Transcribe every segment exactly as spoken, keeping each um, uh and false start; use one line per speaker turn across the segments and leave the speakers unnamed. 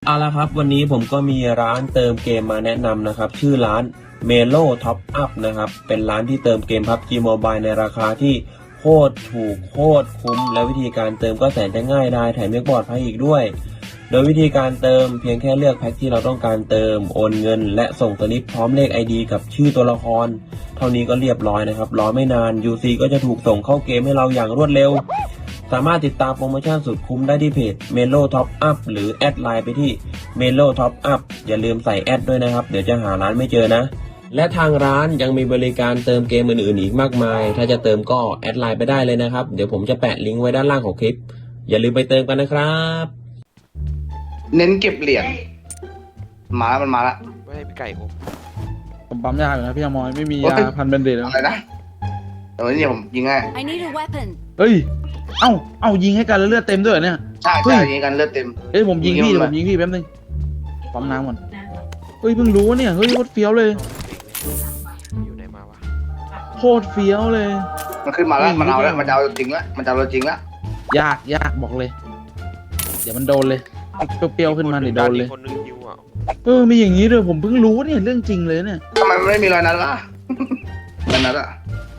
เอาละครับวันนี้ผมก็มีร้านเติมเกมมาแนะนำนะครับชื่อร้าน Melo Top Up นะครับเป็นร้านที่เติมเกม พับจี Mobile ในราคาที่โคตรถูกโคตรคุ้มและวิธีการเติมก็แสนจะง่ายได้แถมยังปลอดภัยอีกด้วยโดยวิธีการเติมเพียงแค่เลือกแพ็คที่เราต้องการเติมโอนเงินและส่งสลิปพร้อมเลข ไอ ดี กับชื่อตัวละครเท่านี้ก็เรียบร้อยนะครับรอไม่นาน ยู ซี ก็จะถูกส่งเข้าเกมให้เราอย่างรวดเร็วสามารถติดตามโปรโมชั่นสุดคุ้มได้ที่เพจ Melo Top Up หรือแอดไลน์ไปที่ Melo Top Up อย่าลืมใส่แอดด้วยนะครับเดี๋ยวจะหาร้านไม่เจอนะและทางร้านยังมีบริการเติมเกมอื่นๆอีกมากมายถ้าจะเติมก็แอดไลน์ไปได้เลยนะครับเดี๋ยวผมจะแปะลิงก์ไว้ด้านล่างของคลิปอย่าลืมไปเติมกันนะครับ
เน้นเก็บเหรียญมาแล้วมันมาแล้ว
ไม่ให้พี่ไก่ผม
ผมปั๊มยาอยู่นะพี่อมอยไม่มียาพันเบนเดตแล้ว
อะไรนะเดี๋ยวนี้ผมยิงให้
I need a weapon
เฮ้ยเอ้าเอ้ายิงให้กันแล้วเลือดเต็มด้วยเนี่ย
ใช่ใช่ยิงกันเลือดเต็ม
เฮ้ยผมยิงพี่ผมยิงพี่แป๊บนึงปั๊มน้ำก่อนเฮ้ยเพิ่งรู้เนี่ยเฮ้ยโคตรเฟี้ยวเลย
อยู่ไหนมาวะ
โคตรเฟี้ยวเลย
มันขึ้นมาแล้วมันเอาแล้วมันจะเอาจริงแล้วมันจะเอาจริงแล้ว
ยากยากบอกเลยเดี๋ยวมันโดนเลยเปรี้ยวๆขึ้นมาเดี๋ยวโดนเลยเออมีอย่างนี้ด้วยผมเพิ่งรู้เนี่ยเรื่องจริงเลยเนี่ย
ทำไมมันไม่มีรอยนั้นล่ะรอยนั้นอะ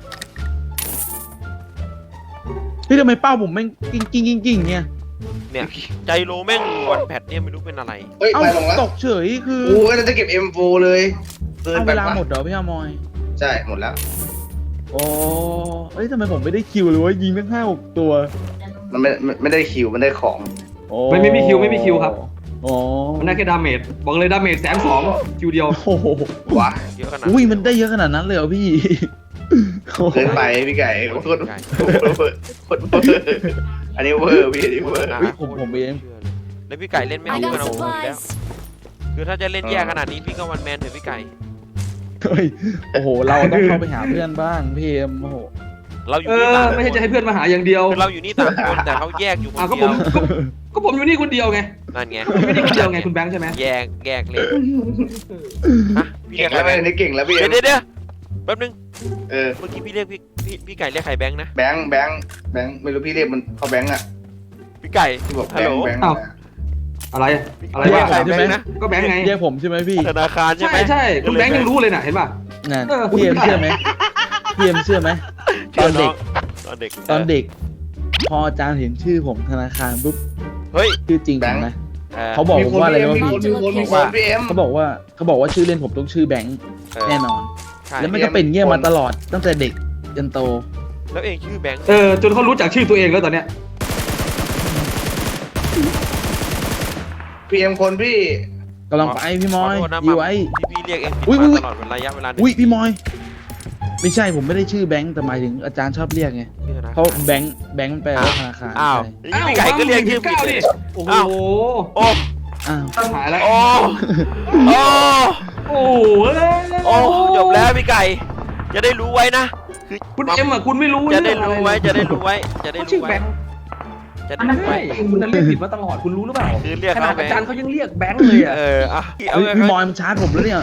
พี่ทำไมเป้าผมแม่งกิ้งกิ้งกิ้งกิ้งเนี่ย
เนี่ยใจโลแม่งวันแพทเนี่ยไม่รู้เป็นอะไร
เฮ้ยไปลงแล้ว
ตกเฉยคือ
โอ้ยจะเก็บ เอ็ม โฟร์ เลย
เอาเวลาหมดเหรอพี่อมอย
ใช่หมดแล้ว
โอ้เอ้ยทำไมผมไม่ได้คิวเลยว่ายิงตั้งห้าหกตัว
มันไม่ไม่ได้คิวมันได้ของ
ไม่ไม่มีคิวไม่มีคิวครับ
อ๋อ
มันได้แค่ดาเมจบอกเลยดาเมจแสนสองคิวเดียว
โอ้โห
ว้า
เยอะขนาด
อุ้ยมันได้เยอะขนาดนั้นเลยเหรอพี่
เกินไปพี่ไก่โคตรโคตรอันนี้เวอร์พี่อันนี้เวอร์
ผมผมเอง
แล้วพี่ไก่เล่นไม่รู้กันเอาแล้วคือถ้าจะเล่นแย่ขนาดนี้พี่ก็วันแมนเถอะพี่ไก่
เฮ้ยโอ้โหเราต้องเข้าไปหาเพื่อนบ้างพี่เอ็มโอ้โห
เราอยู่
นี่ต่างไม่ใช่จะให้เพื่อนมาหาอย่างเดียว
เราอยู่นี่ต่างคนแต่เขาแยกอยู่คนเดียว
ก็ผมอยู่นี่คนเดียวไง
นั่นไง
ไม่ได้คนเดียวไงคุณแบงค์ใช่ไหม
แยกแยกเลย
ฮะพี่เก่งแล้วนี่เก่งแล้วพี่
เดี๋ยวเดี๋ยวแป๊บนึง
เออ
เมื่อกี้พี่เรียกพี่พี่พี่ไก่เรียกใครแบงค์นะ
แบงค์แบงค์แบงค์ไม่รู้พี่เรียกมันเขาแบงค์อะ
พี่ไก่
ฮัลโหล
อะไรอะไร
เรียกใครใช่ไหมนะ
ก็แบงค์ไง
เรียกผมใช่ไหมพี่
ธนาคารใช่ไหม
ใช่ใช่คุณแบงค์ยังรู้เลยน่ะเห็นป่ะ
นั่นพี่เอ็มเชื่อไหมพี่เอ็มเชื่อไหมตอนเด็ก
ตอนเด็ก
ตอนเด็กพออาจารย์เห็นชื่อผมธนาคารปุ๊บ
เฮ้ย
ชื่อจริงนะเขาบอกว่าอะไรวะพี่เขาบอกว่าเขาบอกว่าชื่อเล่นผมต้องชื่อแบงค์แน่นอนแล้วมันก็เป็นเงี้ยมาตลอดตั้งแต่เด็กจนโต
แล้วเองชื่อแบงค์
เออจนเขารู้จักชื่อตัวเองแล้วตอนเนี้ย
พีเอ็มคนพี่
กำลังไปพี่มอยอยู่ไว้
พี่เรียกเองอุ้ยตลอดระยะเวลา
อุ้ยพี่มอยไม่ใช่ผมไม่ได้ชื่อแบงค์แต่หมายถึงอาจารย์ชอบเรียกไงเขาแบงค์แบงค์มันแปลว่าธนาคาร
อ้าวพี่ไก่ก็เรียกชื่อพี่ดิ
โอ้โห
โอ้
อ้าว
หายแล้ว
โอ้โอ้
โอ้
โอ้จบแล้วพี่ไก่จะได้รู้ไว้นะ
คือคุณเอ็มอ่ะคุณไม่รู้
จะได้รู้ไว้จะได้รู้ไว้จะได้รู้ไว้
จะได้รู้ไว้คุณนั้นเรียกผิดมาตลอดคุณรู้หรือเปล่าขนาดอาจารย์เขายังเรียกแบงค์เลยอ่ะ
เอออ่ะ
พี่มอยมันชาร์จผมแล้วเนี่ย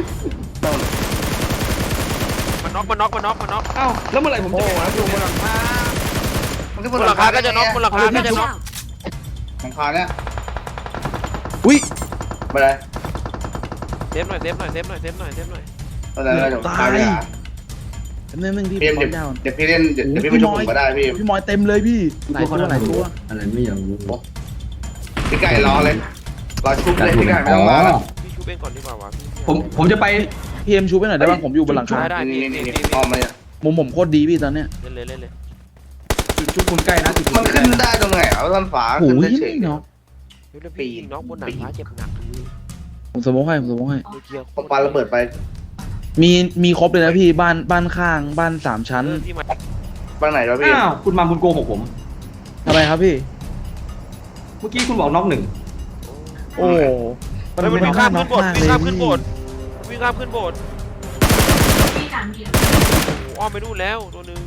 มันน็อกมันน็อกมันน็อกมันน็อก
เอ้าแล้วเมื่อไหร่ผมจะมาดูบนหลังคา
บนหลังคาก็จะน็อกบนหลังคาก็จะน็อก
หลังคาเนี่ย
อุ้ย
ไปเลย
เซฟหน่อยเซฟหน่อยเซฟหน่อยเซฟหน่อยเซฟหน่อย
อะไรอะไรตายเลย
นึงนึงที่
เดี๋ยวเดี๋ยวพี่เล่นเดี๋ยวพี่ไปชมก็ได้พี่
พี่มอยเต็มเลยพี่หลายตัวหลายตัว
อะไรไม่อยากรู้
พี่ไก่รอเลยรอชุบเลยพี่ไก่ไม่ต้องรอแล้ว
พี่ชุบเองก่อนดีกว่าวะ
ผมผมจะไป
พี่เอ็มชูไปหน่อยได้ป่ะผมอยู่บนหลังคา
ได้
นี่นี่นี่ออมมาเนี่ย
มุมผมโคตรดีพี่ตอนเนี้ย
เล่นเลยเล่นเลย
จุดชุบคุณใกล้นะ
มันขึ้นได้ตรงไหนเอาต้นฝาขึ้นได้เฉย
เนาะ
ปีนน้องบนหนังฟ้าเจ็บหนัก
ผมสมมติให้ผมสมมติให้
ผมปาระเบิดไป
มีมีครบเลยนะพี่บ้านบ้านข้างบ้านสามชั้น
บ้านไหนวะพี่
อ้าวคุณมาคุณโกหกผม
ทำไมครับพี่
เมื่อกี้คุณบอกน็อกหนึ่ง
โอ้
มันวิ่งข้ามขึ้นโบสถ์วิ่งข้ามขึ้นโบสถ์วิ่งข้ามขึ้นโบสถ์อ้อมไปนู่นแล้วตัวนึง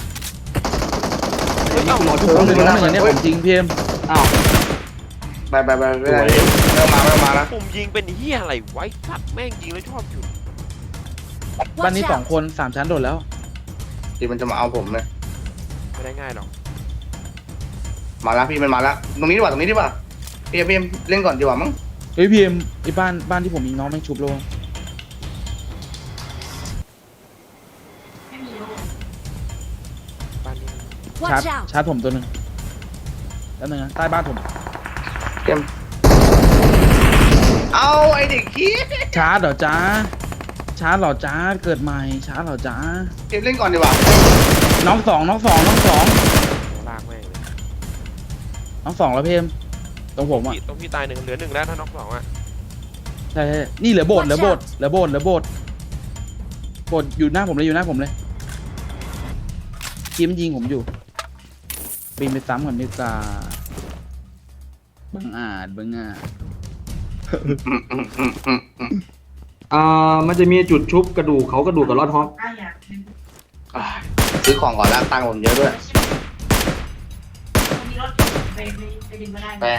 เฮ้ยเอ้าหมอทุกคนเลยนะอย่างนี้ผมจริงพี่เอ็ม
อ้าว
ไปไปไปไม่ได้ไม่มาไม่มาแล้ว
ผมยิงเป็นเหี้ยอะไรไว้สัตว์แม่งยิงแล้วชอบอยู่
บ้านนี้สองคนสามชั้นโดดแล้ว
ที่มันจะมาเอาผมเนี่ย
ไม่ได้ง่ายหรอก
มาแล้วพี่มันมาแล้วตรงนี้ดีกว่าตรงนี้ดีกว่าพี่เอ็มเล่นก่อนดีกว่ามั้ง
เฮ้ยพีเอ็มไอ้บ้านบ้านที่ผมยิงน้องแม่งชุบแล้ววะ
บ้านนี้
ชาร์จ
Watch out!
ชาร์จผมตัวหนึ่งแล้วนึงนะใต้บ้านผม
เกมเอาไอเด็กขี้
ชาร์จเหรอจ้าชาร์จเหรอจ้าเกิดใหม่ชาร์จเหรอจ้า
เกมเล่นก่อนดีกว่า
น้องสองน้องสองน้องสอง
ลากแม่งเลย
น้องสองแล้วพีเอ็มตรงผมอ่ะ
พี่ต้องพี่ตายหนึ่งเหลือหนึ่งแล้วถ้าน็อกสองอ่ะ
ใช่ใช่นี่เหลือโบสถ์เหลือโบสถ์เหลือโบสถ์เหลือโบสถ์โบสถ์อยู่หน้าผมเลยอยู่หน้าผมเลยทีมนยิงผมอยู่บินไปซ้ำก่อนดีกว่าบังอาจบังอาจ
อ่ามันจะมีจุดชุบกระดูกเขากระดูกกับรอดฮอป
อ่ะซื้อของก่อนแล้วตังค์ผมเยอะด้วยแป้ง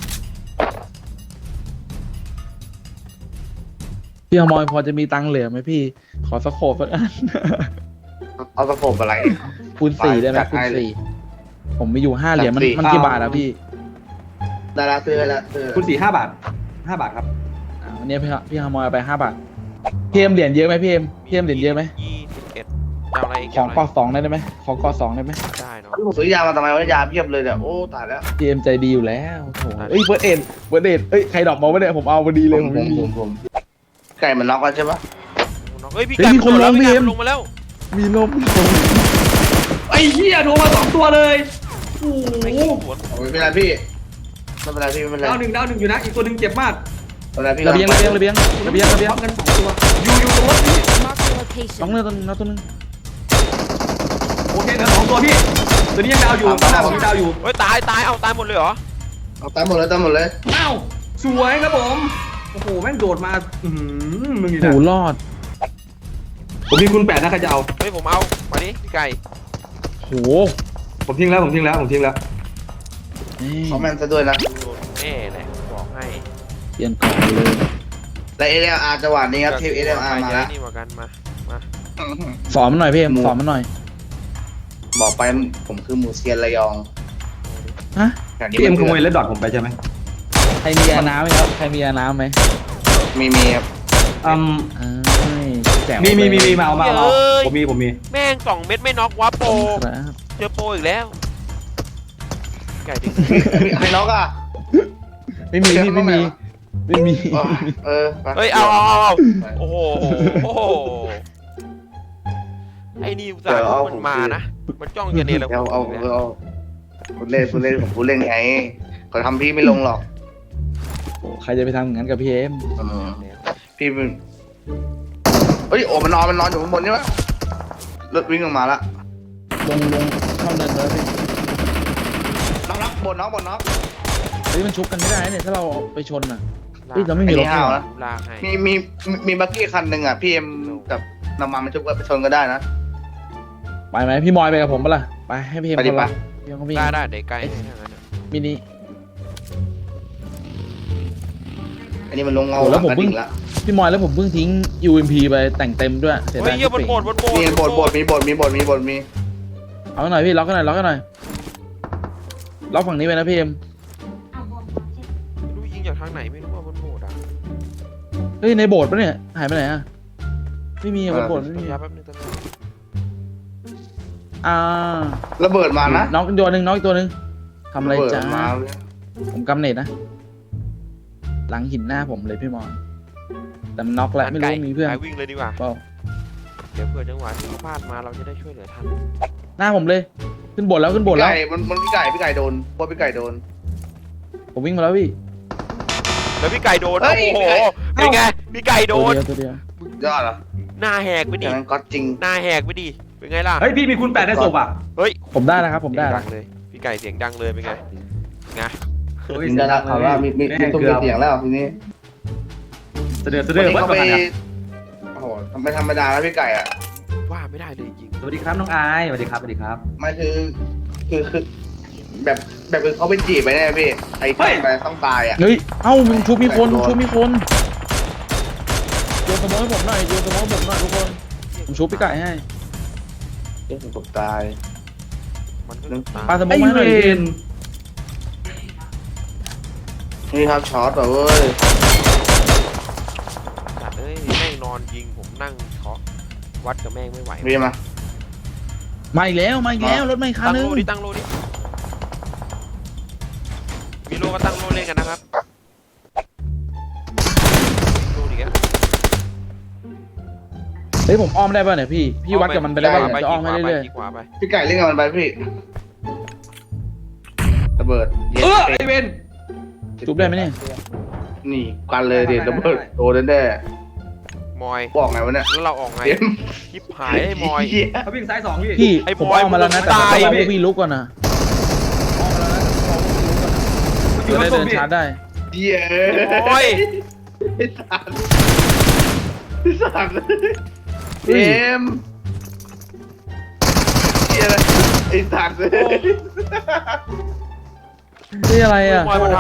พี่อมอยพอจะมีตังค์เหลือไหมพี่ ขอสโคปสักอัน
เอาสะโพกอะไร
คูณสี่ได้ไหม
จัด
คูณ
ให้เลย
สี่ผมมีอยู่ห้าเหรียญมัน
จัดสี่
มันกี่บาทอะพี่
ดาราซื้อแล้วซื้อ
คุณสี่ห้าบาทห้าบาทครับ
อ่าวันนี้พี่พี่อมอยเอาไปห้าบาทพี่เอ็มเหรียญเยอะไหมพี่เอ็มพี่เอ็มเหรียญเยอะไหม
ยี่สิบเอ็ดจะเอาอะไรอีก
ขอ
จะ
กอ
เาะไร
สองได้ไหมขอกอสองได้ไหม
ได้เนาะ
ผมซื้อยามาทำไมวะยาเพียบเลยเนี่ยโอ้ตายแล้ว
พี่เอ็มใจดีอยู่แล้วโถเอ้ยเบิร์ดเอ็นเบิร์ดเอ็นเอ้ยใครดรอกมาไม่ได้ผมเอาพอดีเลยผม
ผ
ไม่
ม
มี
ผมผมไก่มันน็อกแล้วใช่ปะ
เฮ้ยพี่
เฮ้ย
ไก่
มีคน
โดแล้ว
ลง
พี่ไก่
พี่เอ็ม
มันลงมาแล้ว
มีลม
ไอ้เหี้ยโทรมาสองตัวเลยโอ้
ไม่
โห
ขี้สวน
ไม่เป็นไรพี่ไม่เป็นไรพี่ไม่เป็นไร
ดาวหนึ่งดาวหนึ่งอยู่นะอีกตัวหนึ่งเจ็บมาก
ไม่เป็นไรพี่
ระเบียงระเบียงระเบียงระเบียงระเบียง
พร้อมกันสองตัวอยู่อยู่ตรงรถพี่
Mark the
น้อง
location.
เนื้อตัวนึงน้องตัวนึง
โอเคเหลือสองตัวพี่ตัวนี้ยังดาวอยู่ข้างหน้าผมยังดาวอยู่
เฮ้ยตายตายเอาตายหมดเลยเหรอ
เอาตามหมดเลยตามหมดเลย
อ้าวสวยครับผมโอ้โหแม่งโดดมาอืมมึงนี่
โห
นะ
รอด
ผมมีคุณแปดนะใครจะเอา
เฮ้ยผมเอามาดิพี่ไก่
โห
ผมทิ้งแล้วผมทิ้งแล้วผมทิ้งแล้ว
นี่
เขาแม่นซะด้วยนะ
โดนแน่เลยบอกให้
เปลี่ยนก่อนเลย
และเอเอลอาร์จังหวะนี้ครับทีมเอเอลอาร์มา
ใคร
แล้ว
จะนี่กว่ากันมามา
สอนมันหน่อยพี่เอ็มสอนมันหน่อย
บอกไปผมคือหมูเซียนระยอง
ฮะ
ย่างนี้
พี่เอ็มขโมย
น
เลดดอทผมไปใช่ไหม
ใครมียาน้ำไหมครับใครมียาน้ำไหม
มีมีครับ
อืม
เอ้ยแจ๋ว
มีมีมีมีมาเอามาเอามา
เอ้ย
ผมมีผมมี
แม่งสองเม็ดไม่น็อกวะโปร
ครับ
เจอโปรอีกแล้วไก่ดิ
ใครน็อกอ่ะ
ไม่มีพี่ไม่มีไม่มี
เออไป
เฮ้ยเอาเอาเอาเอาโอ้โหโอ้โหไอ้นี่อุตส่าห์มันมานะมันจ้องจะเนร
เดี๋ยว
คุณ
เอา
เนี่ย
เอาคุณเล่นคุณเล่นผมคุณเล่นไงเขาทำพี่ไม่ลงหรอก
โอ้ใครจะไปทำอย่างนั้นกับพี่เอ็ม
เออพี่มันเฮ้ยโอ้มันนอนมันนอนอยู่ข้างบนใช่ไหมรถวิ่งออกมาละ
ลงลงเข้าเนินเลยพี่
น็อกน็อกบนน็อกบนน็อก
เฮ้ยมันชุบกันไม่ได้เนี่ยถ้าเราไปชนอ่ะเฮ้ยเราไม่มีรถ
ไอ้นี่ห้าว
เหรอ
นะ
ลากให้
มีมีมีบักกี้คันหนึ่งอ่ะพี่เอ็มกับน้ำมันมันชุบกันไปชนก็ได้นะ
ไปไหมพี่มอยไปกับผมปะล่ะไปให้พี่เอ็ม
ไปดิ
คนละ
ไป
พี่เอ็มก็วิ่ง
ได้ได้เดี๋ยวไกลให้ทั้งนั้นอะ
มินิ
อันนี้มันลงเงา
โอ้แล้วผม
กระ
เพิ่ง
ดิ่งละ
พี่มอยแล้วผมเพิ่งทิ้ง ยู เอ็ม พี ไปแต่งเต็มด้วยเสีย
เฮ้ย
ดาย
เยี่ยบนโบดบนโบด
มีบทบทมีบทมีบทมีบทมี
เอาหน่อยพี่ล็อกกันหน่อยล็อกกันหน่อยล็อกฝั่งนี้ไปนะพี่เอ็ม
ไม่รู้ยิงจากทางไหนไม่รู้ว่าบนโบดอ่ะ
เฮ้ยในโบสถ์ปะเนี่ยหายไปไหนอ่ะไม่มีอะบนโบสถ์ไม่มี
ยับแป๊บนึงตอนนี้
อ่า
ระเบิดมานะ
น้องอีกตัวหนึ่งน้องอีกตัวหนึ่งทำอะไร
เบิด
จ้า
มา
ผมกำเนิดนะ หลังหินหน้าผมเลยพี่มอนแต่มันน็อกแล้วไม่รู้ว่ามีเพื่อน
ไกลวิ่งเลยดีกว่า
เปล่า
เดี๋ยวเผื่อจังหวะที่เขาพลาดมาเราจะได้ช่วยเหลือทัน
หน้าผมเลย ขึ้นโบสถ์แล้วขึ้นโบสถ์
พี่
แล้ว
ไก่มันมันพี่ไก่พี่ไก่โดนพวกพี่ไก่โดน
ผมวิ่งมาแล้วพี่
แล้วพี่ไก่โดน
เฮ้
โอ้
ย
โหเป็นไงพี่ไก่โด
ตัวน เดียวตัวเดียวย
อดเหรอ
หน้าแหกไป
อ
ดิ
ย่างนั้นก็จริง
หน้าแหกไปดิเป็นไงล่ะ
เฮ้ยพี่มีคุณแปดในศพอ่ะ
เฮ้ย
ผมได้แล้วครับ ผมได้
เสียง
แล้
ดั
ว
งเลยพี่ไก่เสียงดังเลยเป็นไงไง
เฮ้ย
มีได้แล้วเขาว่ามีมีมีตุ้มมีเสียงแล้วทีนี้
เสด็จเส
วั
ด็
น
จ
นี้
วัด
เขา
ประ
ไป
มาณ
โอ้โหทำไม่ธรรมดาแล้วพี่ไก่อ่ะ
ว่าไม่ได้เลยจริง
สวัสดีครับน้องอายสวัสดีครับสวัสดีครับ
มันคือคือคือแบบแบบคือเขาไปจีบไปแน่พี่ไอ้ที่ไปต้องตายอ่ะ
เฮ้ยเอ้ามันชุบมีคนชุบมีคนโยนสมองให้ผมหน่อยโยนสมองให้ผมหน่อยทุกคนผมชุบพี่ไก่ให้
เอ๊ะผมตาย
มันก็ต้องตาม
ปาสมอง
ไอ้
มาให้ห
เว
น่อย
น
นี่ครับช็อตแบบเว้ย
สัตว์เอ้ยแม่งนอนยิงผมนั่งเคาะวัดกับแม่งไม่ไหว
พี่มา
มาอีกแล้วมาอีกแล้วรถไม่คัน
ตั้ง
นึ
โล
ง
ดิตั้งโลดิมีโลก็ตั้งโลเล่นกันนะครับโลดิแก
เฮ้ยผมอ้อมได้ป่ะเนี่ยพี่พี่วัดกับมันไปได้ป่ะผมจะอ้อมให้เรื่อย
ขวาไป
พี่ไก่เล่นกับมันไปพี่ระเบิดเย็
เออ
ด
ไอเวน
ๆจุบได้ไหมเนี่ย
นี่กันเลยดิระเบิดโดนแน่
มอย
ๆบอกไงวะเนี่ย
แล้วเราออกไง
เต็ม
คลิปหายไอ้มอย
เหี้ย
เขาวิ่งซ้ายสองพี่
พี่
ไอ้
ผม
บอย
อ้อมมาแล้วนะ
มึง
แต่ต้อง
ตาย
รอ
พี่
พวกพี่ลุกก่อนนะ
อยู่
จะ
มา
ได้
ส่ง
เดิน
พี่
ชาร์จได้
เหี้ย
โอ้ย
ไอ้สัตว์ไอ้สัตว์เต็มเหี้ยอะไรไอ้สัตว์เลย
นี่อะไรอ่ะ
มอยมันท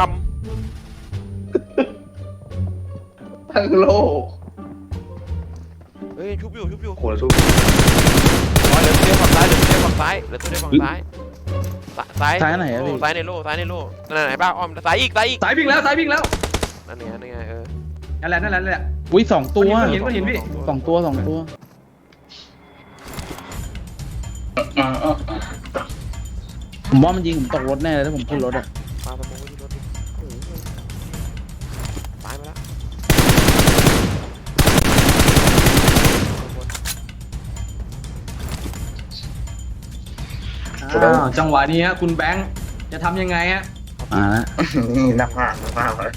ทั้งโลก
ำเฮ้ยชุบอยู่ชุบอยู่
โหแล้วทุก
มอยเหลือตัวเดียวฝั่งซ้ายเหลือตัวเดียวฝั่งซ้ายเหลือตัวเดียวฝั่งซ้ายซ้าย
ซ้ายไหนอะพี่
ซ้ายในโลซ้ายในโลนั่นไหนบ้างอ้อมซ้ายอีกซ้ายอีก
สายวิ่งแล้วสายวิ่งแล้ว
นั่นไงนั่นไงเออ
นั่นแหละนั่นแหละนั่นแหละ
อุ้ยสองตัว
เห็นก็เห็นพี่
สองตัวสองตัวผมว่ามันยิงผมตกรถแน่เลยถ้าผมขึ้นรถอ่ะ
ปาสมองไว้ที่รถดิโอ้โหตายมาแล้ว
อ้าวจังหวะนี้ฮะคุณแบงค์จะทำยังไงฮะ
อ่าละ
นี่นักมากนักมากเลย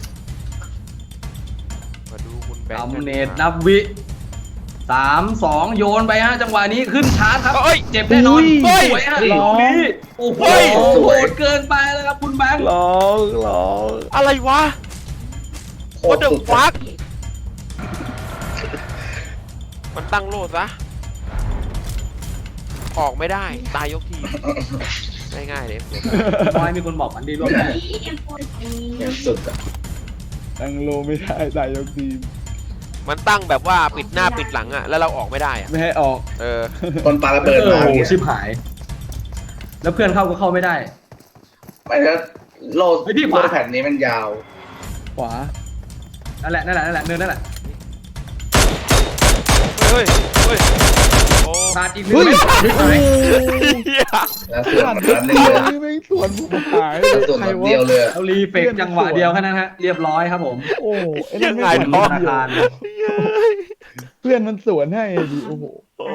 มาดูคุณแบงค์
ทำเนตนับวิสามสองโยนไปฮะจังหวะนี้ขึ้นชาร์จครับ
เอ้ย
เจ็บแน่นอน
เฮ้ย
สวยฮะ
ร้
ลู
อก ง
นี้โอ้โห
เฮ้ย
โหดเกินไปแล้วครับคุณแบงค์
ร้องร้อง
อะไรวะ What the fuck มันตั้งโลดซะออกไม่ได้ตายยกทีง่ายๆเลย
น้อยมีคนบอกมันดีร่วมได้
สุดอะ
ตั้งโลไม่ได้ตายยกทีม
มันตั้งแบบว่าปิดหน้าปิดหลังอะแล้วเราออกไม่ได้อะ
ไม่ให้ออก
เออ
คนปาระเบิด
โอ้
มา
โห
เนี่ย
ชิบหาย แล้วเพื่อนเข้าก็เข้าไม่ได้
ไม่แล้วโลด
เฮ้ยพี่ขวา
โลดแผ่นนี้มันยาว
ขวา
นั่นแหละนั่นแหละนั่นแหละเนินนั่นแหละ
เฮ้ยเฮ้ยโอ้
ขาดอีกหนึ่ง
เฮ้ย
เม็ด
โอ้โห
เหี้ย
แล้วส่วนมันนั้นเลยอะ
ไม่ไม่สวนผมหาย
แล้วส่วนมันเดียวเลยอะ
เอารีเฟกจังหวะเดียวแค่นั้นฮะเรียบร้อยครับผม
โอ้ไอ้
ยั
นั่น
ง
ไม่
ไง
สวน
เนาะ
ธนาคาร
เพื่อนมันสวนให้ดิโอ้โห